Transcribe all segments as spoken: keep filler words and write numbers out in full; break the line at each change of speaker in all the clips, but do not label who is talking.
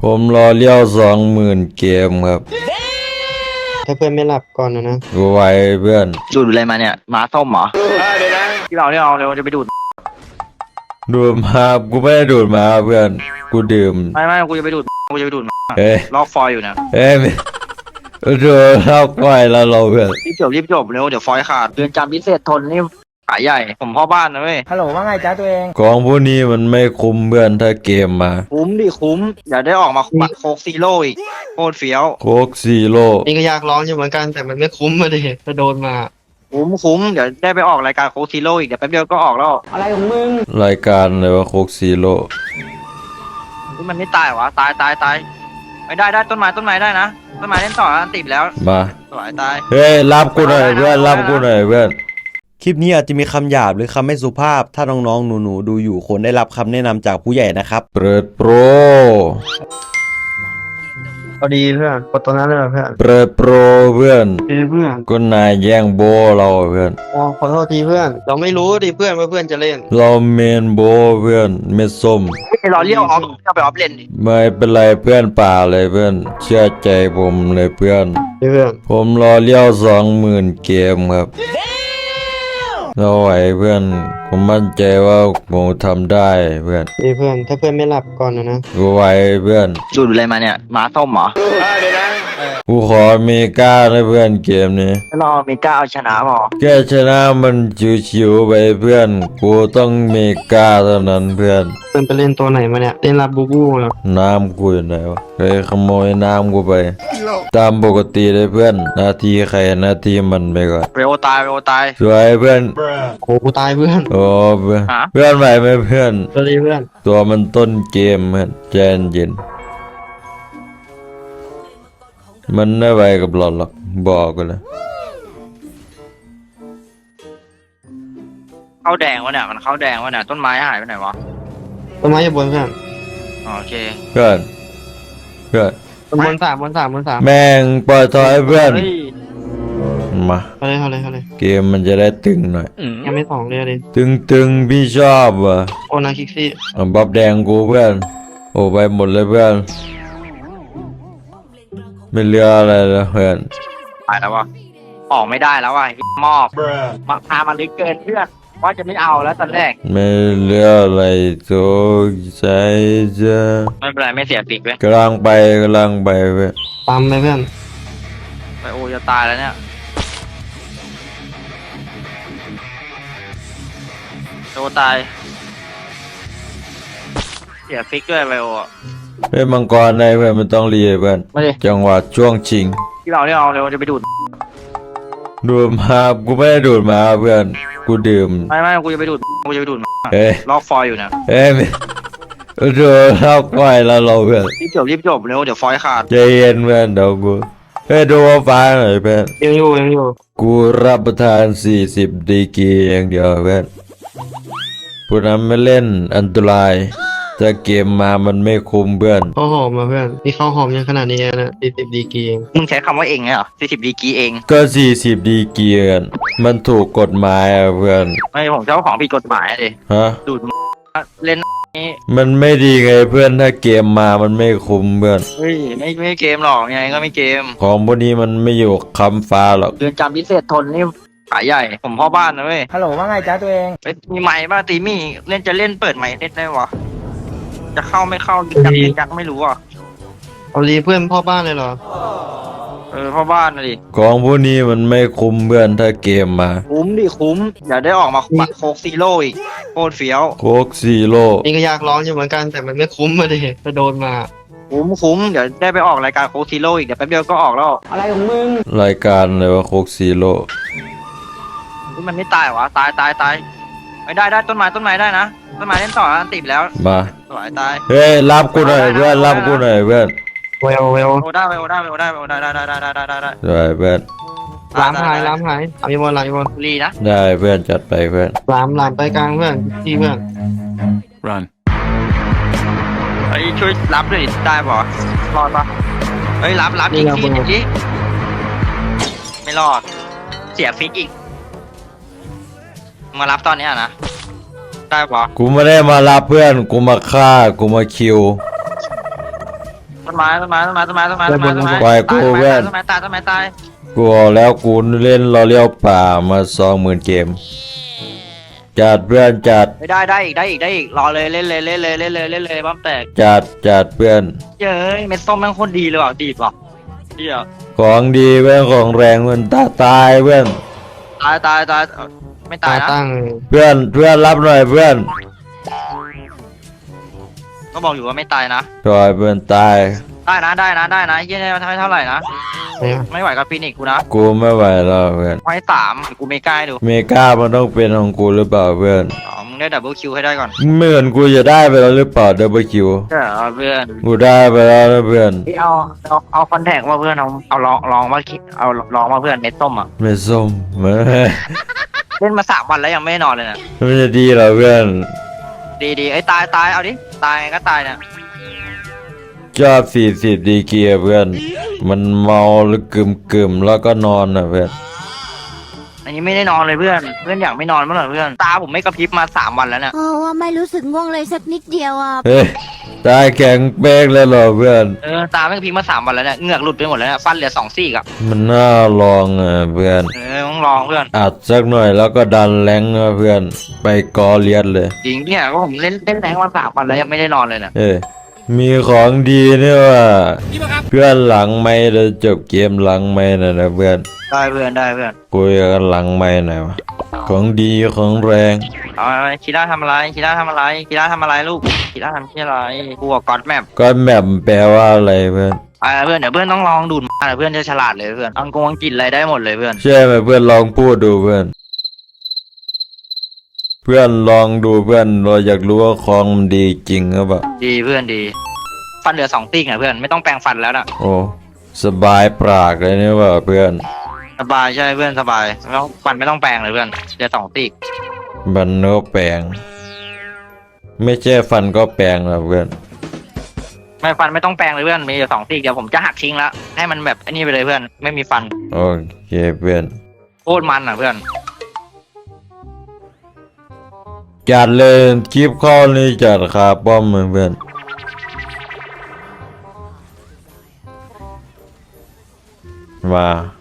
ผมรอเลี้ยวสองหมื่นเกมครับ
ถ้าเพื่อนไม่หลับก่อนนะนะ
กูไว้เพื่อน
ดูดอะไรมาเนี่ยม้าส้มเหรอเดี๋ยวนะที่เราเนี่ยเอาเร็วจะไปดูด
ดูดมากูไม่ได้ดูดมาเพื่อนกูดื่ม
ไม่ไม่กูจะไปดูดกูจะไปดูดมา
เอ้ย
ลอกฟอยอยู่นะ
เอ้ยดูเล่าก้อยแล้วเราเพื่อน
รีบจบรีบจบเร็วเดี๋ยวฟอยขาดเรือนจำพิเศษทนนี่ขายใหญ่ผมพ่อบ้านนะเว้ย
ฮัลโหลว่าไงจ้าตัวเอง
ของพวกนี้มันไม่คุ้มเพื่อนถ้าเกมมา
คุ้มดิคุ้มอย่าได้ออกมาบัตรโคกซีโร่อีกโคตรเฟี้ยว
โคกซีโร่
นี่ก็อยากร้องอยู่เหมือนกันแต่มันไม่คุ้มมาดิถ้าโดนมา
คุ้มคุ้มเดี๋ยวได้ไปออกรายการโคกซีโร่อีกเดี๋ยวแป๊บเดียวก็ออกแล้ว
อะไรของมึง
รายการอะไรวะโคกซีโร่
นี่มันไม่ตายวะตายตายตายไม่ได้ได้ต้นไม้ต้นไม้ได้นะต้นไม้เล่นต่ออันติดแล้ว
มา
สวยตาย
เฮ้ยรับกูหน่อยเพื่อนรับกูหน่อยเพื่อน
คลิปนี้อาจจะมีคำหยาบหรือคำไม่สุภาพถ้าน้องๆหนูๆดูอยู่ควรได้รับคำแนะนำจากผู้ใหญ่นะครับ
เปิดโปร
เอาดีเพื่อนกดตัวนั้นเลยเพื่อน
เปิดโปรเพื่อน
เเพื่อน
ก็นายแย่งโบเราเพื่อน
อ๋อขอโทษทีเพื่อนเราไม่รู้ดิเพื่อนว่าเพื่อนจะเล่น
เราเมนโบเพื่อนเม็ดส้ม
ไม่รอเลี้ยวออฟเข้าไปออฟเล่นดิ
ไม่เป็นไรเพื่อนป่าเลยเพื่อนเชื่อใจผมเลยเพื่อน
เพื่อน
ผมรอเลี้ยวสองหมื่นเกมครับเราไหวเพื่อนผมมั่นใจว่าผมทำได้เพื่อน
นี่เพื่อนถ้าเพื่อนไม่หลับก่อนนะนะ
กูไหวเพื่อน
ดูดอะไรมาเนี่ยม้าส้มเหรอเดี๋ยวนะ
กูขอเมกาเลยเพื่อนเกมนี้
รอเมกาเอาชนะหรอ
แค่ชนะมันชิวๆไปเพื่อนกูต้องเมกาเท่านั้นเพื่อน
เพื่อนไปเล่นตัวไหนมาเนี่ยเล่นลาบูบูเหรอ
น้ำกูอยู่ไหนวะเคยขโมยน้ำกูไปตามปกติเลยเพื่อนนาทีใครนาทีมันไปก่อน
เร็วตายเร็วตาย
สวยเพื่อน
โอ้กูตายเพื่อน
โอ้เพื่อนเพื่อนไหวไหมเพื่อน
สวัสดีเพื่อน
ตัวมันต้นเกมเพื่อนใจเย็นมันไม่ไหวกับหลอดหรอกบอกกันเลย
เข้าแดงวะเนี่ยมันเข้าแดงวะเนี่ยต้นไม้หายไปไหนวะ
ต้นไม้อยู่บนเพื่อน
โอเค
เพื่อนเพื่อน
บนสามบนสามบนสาม
แม่งปล่อยถอยเพื่อนมา
เอาเลยเอาเลยเอาเลย
เกมมันจะได้ตึงหน่อย
ยังไม่สองเลยเลย
ตึงตึงพี่ชอบว่ะ
โอนาคิกซี่
บับแดงกูเพื่อนโอ้ไปหมดเลยเพื่อนไม่เหลืออะไรแล้วเพื่อน
ตายแล้ววะออกไม่ได้แล้วว่ะมอบมาพามาลึกเกินเพื่อนว่าจะไม่เอาแล้วตอนแรก
ไม่เหลืออะไรตัวใจจะ
ไม่เป็นไรไม่เสียปีกเลย
กำลังไปกำลังไปเพื่อน
ปั๊มไปเพื่อน
ไปโอจะตายแล้วเนี่ยโตตายเสียฟิกด้วยไปโอ
เฮ้ยมังกรได้เพื่อนมันต้องรีเพื่อนจังหวะช่วงชิง
ที่เราเนี่ยเอาเร็วจะไปดูด
ดูดมากูไม่ได้ดูดมาเพื่อนกูดื่ม
ไม่ไม่กูจะไปดูดกูจะไปดูดมา
เอ้ย
ลอกฟอยอยู่นะ
เอ้ยดูเล่าก้อยแล้วเราเพื่อน
รีบจบรีบจบเร็วเดี๋ยวฟอยขาด
ใจเย็นเพื่อนเดี๋ยวกูเฮ้ยดูว่าฟ้าหน่อยเพื่อน
ยังอยู่ยังอยู่
กูรับประทานสี่สิบดีกีอย่างเดียวเพื่อนผู้นั้นไม่เล่นอันตรายถ้าเกมมามันไม่คุ้มเพื่อน
ข้าวหอมมาเพื่อนนี่ข้าวหอมยังขนาดนี้นะสี่สิบดีกีเอง
มึงใช้คำว่าเองเหรอสี่สิบดีกีเอง
ก็สี่สิบดีกีกันมันถูกกฎหมายอะเพื่อน
ไม่ผมเจ้าของผิดกฎหมายดิ
ฮะ
ดูดเล่นนี้
มันไม่ดีไงเพื่อนถ้าเกมมามันไม่คุ้มเพื่อน
เฮ้ยไม่ไม่เกมหรอกยังไงก็ไม่เกม
ของพวกนี้มันไม่อยู่คำฟ้าหรอก
เรือนจำพิเศษทนนี่ขายใหญ่ผมพ่อบ้านนะเว้ย
ฮัลโหลว่าไงจ้าตัวเอง
มีไม้บ้าตีมี่เล่นจะเล่นเปิดไม้เล่นได้วะจะเข้าไม่เข้ายิงยักยิงยักไม่รู้อ่ะ
เอาดีเพื่อนพ่อบ้านเลยเหรอ
เออพ่อบ้านนะดิ
ของพวกนี้มันไม่คุ้มเพื่อนถ้าเกมมา
คุ้มดิคุ้มอย่าได้ออกมาบัตรโคกซีโร่อีกโคตรเฟี้ยว
โคกซีโร่
นี่ก็อยากร้องอยู่เหมือนกันแต่มันไม่คุ้มมาดิถ้าโดนมา
คุ้มคุ้มเดี๋ยวได้ไปออกรายการโคกซีโร่อีกเดี๋ยวแป๊บเดียวก็ออกแล้ว
อะไรของมึง
รายการอะไรวะโคกซีโร่
นี่มันไม่ตายวะตายตายตายไม่ได้ได้ต้นไม้ต้นไม้ได้นะต้นไม้เล่นต่ออันติดแล้ว
มา
สวยตาย
เฮ้ยรับกูหน่อยเพื่อนรับกูหน่อยเพื่อน
เวลเวล
โอได้เวลได้เวลได้เวลได้ได้ได้ได้ได้ได้ได้
สวยเพื่อน
ล้ำหายล้ำหายมีบอลอะไรบอล
ลีนะ
ได้เพื่อนจัดไปเพื่อน
ล้ำล้ำไปกลางเพื่อนที่เพื่อน
run ไอ้ช่วยรับด้วยได้ป่ะรอดป่ะเฮ้ยรับรับอีกทีอีกไม่รอดเสียฟิกอีกมารับตอนนี้นะได้ปะ
กูไม่ได้มารับเพื่อนกูมาฆ่ากูมาคิว
ต้นไม้ต้นไม้ต้นไม้ต้นไม้ต้นไม้ต้นไม้ต้นไม้
ปล่อยกู
ตาย
เพื่อน
ต้นไม้ตายต้นไม้ตาย
กูบอกแล้วกูเล่นรอเลี้ยวป่ามาสองหมื่นเกม จัดเพื่อนจัด
ไม่ได้ได้อีกได้อีกได้อีกรอเลยเล่นเลยเล่นเลยเล่นเลยเล่นเลยบ้ามแตก
จัดจัดเพื่อน
เย้ยเม็ดส้มแม่งโคตรดีเลยว่ะดีป่ะเดียว
ของดีเพื่อนของแรงเพื่อนตาตายเพื่อน
ตายตายตายไม่
ตา
ตายนะ
ตั้ง
เพื่อนเพื่อนรับหน่อยเพื่อน
ก็บอกอยู่ว่าไม่ตายนะ
จอยเพื่อนตาย
ได้นะได้นะได้นะยี่ได้เท่าไหร่นะ
เนี่ย
ไม่ไหวกับฟินิกกูนะ
กูไม่ไหวแล้วเพื่อน
ไว้สามกูไม่กล้าให้ดู
เมกามันต้องเป็นของกูหรือเปล่าเพื่อน
อ๋อมึงได้ดับเบิลคิวให้ได้ก่อน
เหมือนกูจะได้ไปแล้วหรือเปล่าดับเบิลคิว
เออเพื่อน
กูได้ไปแล้วนะเพื่อน
เอาเอาเอาคอนแทคมาเพื่อนเอาเอาลองลองมาคิดเอาลองมาเพื่อนเม็ดส้มอ่ะ
ไม่ส้มไม่
เล่นมาสามวันแล้วยังไม่ได้นอนเลยนะ
ไม่จะดีเหรอเพื่อน
ดีดีไอ้ยตายตายเอาดิตายไงก็ตายเนี่ย
ชอบสี่สิบดีเกียร์เพื่อน มันเมาหรือกึมกึมๆแล้วก็นอนนะเพื่อน
อันนี้ไม่ได้นอนเลยเพื่อนเพื่อนอยากไม่นอนเมื่อไหร่เพื่อนตาผมไม่กระพริบมาสามวันแล้วเนี่ย
โอ้ว่าไม่รู้สึกง่วงเลยสักนิดเดียวอ่ะ
เฮ้ยตายแข็งเป๊กเลยเหรอเพื่อน
เออตาไม่กระพริบมาสามวันแล้วเนี่ยเหงือกหลุดไปหมดแล้วเนี่ยฟันเหลือสองซี่กับ
มันน่าลองอ่ะเพื่อน
เออต้องลองเพื่อน
อัดสักหน่อยแล้วก็ดันแรงนะเพื่อน ไปกอเลียดเลย
จริงเนี่ยก็ผมเล่นเล่นแรงมาสามวันแล้วยังไม่ได้นอนเลยเนี่ย
เอ้ยมีของดีเนี่ยว่ะเพื่อนหลังไม่จะจบเกมหลังไม่นะนะเพื่อน
ได้เพื่อนได้เพื่อน
คุยกันหลังไม่หน่อยวะของดีของแรง
เอาอะไรคีร่าทำอะไรคีร่าทำอะไรคีร่าทำอะไรลูกคีร่าทำที่อะไรกูกับก๊อตแมป
ก็แมปแปลว่าอะไรเพื่อน
อ่าเพื่อนเดี๋ยวเพื่อนต้องลองดูดมาเดี๋ยวเพื่อนจะฉลาดเลยเพื่อนอังกงอังกฤษอะไรได้หมดเลยเพื่อน
ใช่ไหมเพื่อนลองพูดดูเพื่อน เพื่อนลองดูเพื่อนเราอยากรู้ว่าของมันดีจริงหรือเปล่า
ดีเพื่อนดี ฟันเหลือสองติ๊กนะเพื่อนไม่ต้องแปรงฟันแล้วนะ
โอ้สบายปากเลยเนี่ยว่ะเพื่อน
สบายใช่เพื่อนสบายไม่ต้องฟันไม่ต้องแปรงเลยเพื่อนเหลือสองติ๊ก
บันโนแปลง ไม่ใช่ฟันก็แปลงนะเพื่อน
ไม่ฟันไม่ต้องแปรงเลยเพื่อนมีเหลือสองติ๊กเดี๋ยวผมจะหักทิ้งแล้วให้มันแบบไอ้นี่ไปเลยเพื่อนไม่มีฟัน
โอเคเพื่อน
โคตรมันอ่ะเพื่อน
จัดเลยคลิปข้อนี้จัดคาป้อมเพื่อนมา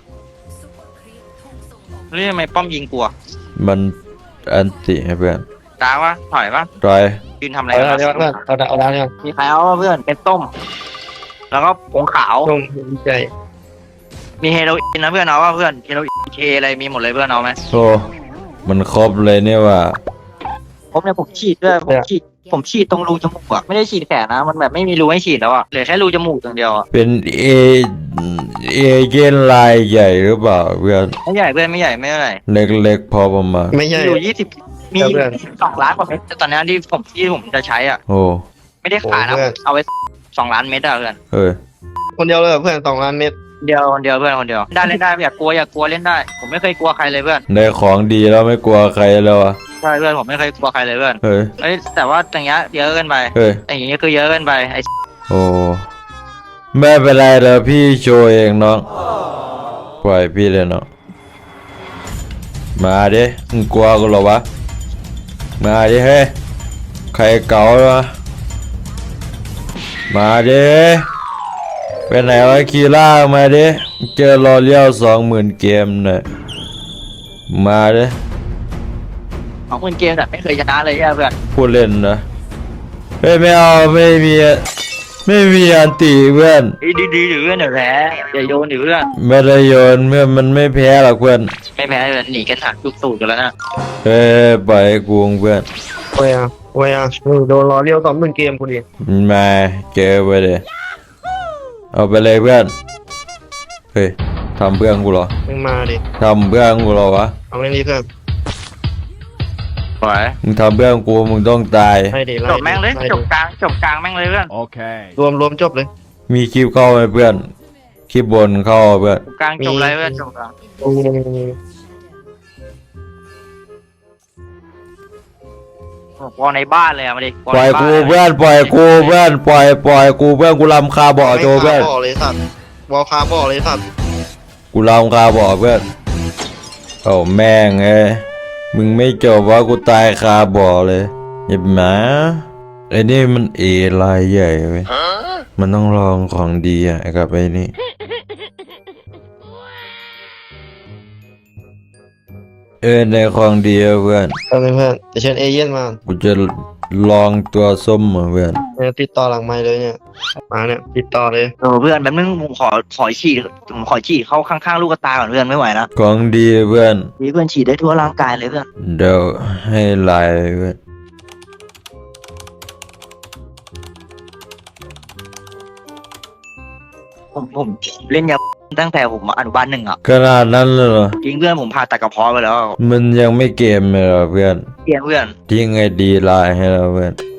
เรื่องทำไมป้อมยิงกลัว
มันอันติให้เพื่อน
ตาวะถอยวะ
รอย
ยืนทำอะไร
เอา
กัน
แล้ว
วะ
เพื่อนเอาแล้วเอาแล้วเนี่ย
มีใครเอาวะเพื่อนเป็นต้ม แล้วก็ผงขาว
ลงใจ
มีเฮโรอีนนะเพื่อนเอาว่าเพื่อนเฮโรอีนเคอะไรมีหมดเลยเพื่อนเอาไหม
โอ้มันครบเลยเนี่ยว่ะ
ผมเนี่ยผมฉีดด้วยผมฉีดผมฉีดตรงรูจมูกอะไม่ได้ฉีดแขนนะมันแบบไม่มีรูให้ฉีดแล้วอะเหลือแค่รูจมูกอย่างเดียวอะ
เป็นเอเอเจนต์ลายใหญ่หรือเปล่าเพื่อน
ไม่ใหญ่เพื่อนไม่ใหญ่ไม่เท่าไหร่
เล็กๆพอประมาณ
ไม่ใช่
อยู่ยี่สิบมี
ครับเพื่อน
สองล้านกว่าเม็ดแต่ตอนนี้ที่ผมที่ผมจะใช้อ่ะ
โอ้
ไม่ได้ขายนะ
โอ้เพื่อน
เอาไว้สองล้านเม็ดอะเพื่อน
เฮ้ย
คนเดียวเลยเหรอเพื่อนสองล้านเม็ด
เดียวคนเดียวเพื่อนคนเดียวได้เล่นได้อย่ากลัวอย่ากลัวเล่นได้ ผมไม่เคยกลัวใครเลยเพื่อน
ได้ของดีแล้วไม่กลัวใครแล้วอ่ะ
ใช่เพื่อนผมไม่เคยกลัวใครเลยเพื่อน
เฮ้ย
เอ้ยแต่ว่าอย่างเงี้ยเยอะเกินไป
เฮ้ย
อย่างเงี้ยคือเยอะเกินไปไอ้
โอ้ไม่เป็นไรเดี๋ยวพี่โชว์เองน้องปล่อยพี่เลยน้องมาดิมึงกลัวกูเหรอวะมาดิเฮ้ยใครเก่าวะมาดิไปไหนวะคีล่ามาดิเจอรอเลี้ยวสองหมื่นเกมหน่อยมาดิ
ของคนเกมแบบไม่เคยชนะเลยอะเพื่อน
พูดเล่นนะเฮ้ยไม่เอาไม่มีไม่มีอันตีเพื่อน
ไอ้ดีๆหรือเพื่อนเดี๋ยวแพ้อย่าโยนหรือเพื่อน
ไม่ได้โยนเมื่อมันไม่แพ้หรอกเพื่อน
ไม่แพ้เลยหนีกันหักทุกสูตรกันแล้วนะ
เฮ้ยปล่อยให้กูเพื่อน
โอ้ยอ่ะโอ้ยอ่ะมึงโดนล้อเลี้ยวสองหมื่นเกมกูดิ
มาเจอไปเลยเอาไปเลยเพื่อนเฮ้ยทำเพื่อนกูเหรอ
มึงมาดิ
ทำเพื่อนกูเหรอวะ
เอาเล่นนี้เพื่อน
สวย
มึงทำเพื่อนกูมึงต้องตาย
ไล่ดิไล่
จ
ดิ
บแม่งเลย
ไดิ
จบกลางจบกลางแม่งเลยเพื่อน
รวมรวมจบเลย
มีคลิปเข้าไหมเพื่อนคลิปบนเข้าเพื่อน
จบกลางจบเลยเพื่อนจบกลาง วอลในบ้านเลยอะมาดิวอ
ปล่อย
ในบ้าน
กูเพื่อนปล่อยกูเพื่อนปล่อยปล่อยกูเพื่อนกูรำคาบ่อโจเพื่อน
ไม่คาบ่อเลยสัตว์วอลคาบ่อเลยสัตว์
กูรำคาบ่อเพื่อนโอ้แม่งเอ้ยมึงไม่จบว่ากูตายคาบ่อเลยอย่าหมาไอ้นี่มันเอลายใหญ่เว้ยมันต้องลองของดีอ่ะกับไอ้นี่เออในของดีอะเพื่อน
ตอนนี้เพื่อนจะเชิญเอเย่นมา
กูจะลองตัวส้มมาเพื่อน
เนี่ยติดต่อหลังไมค์เลยเนี่ยมาเนี่ยติดต่อเลย
เออเพื่อนแป๊บนึงผมขอขอฉีดผมขอฉีดเข้าข้างๆลูกตาก่อนเพื่อนไม่ไหวนะ
ของดีเพื่อน
นี่เพื่อนฉีดได้ทั่วร่างกายเลยเพื่อน
เดี๋ยวให้ลายเพื่อน
ผมผมเล่นยาตั้งแต่ผมอนุบาลหนึ่งอ่ะ
ขนาดนั้นเลยเหรอ
จริงเพื่อนผมผ่าตัดกระเพาะไปแล้ว
มันยังไม่เกมเลยเหรอเพื่อน
เพื่อนเพื่อน
ทิ้งไอดีไลน์ให้เราเพื่อน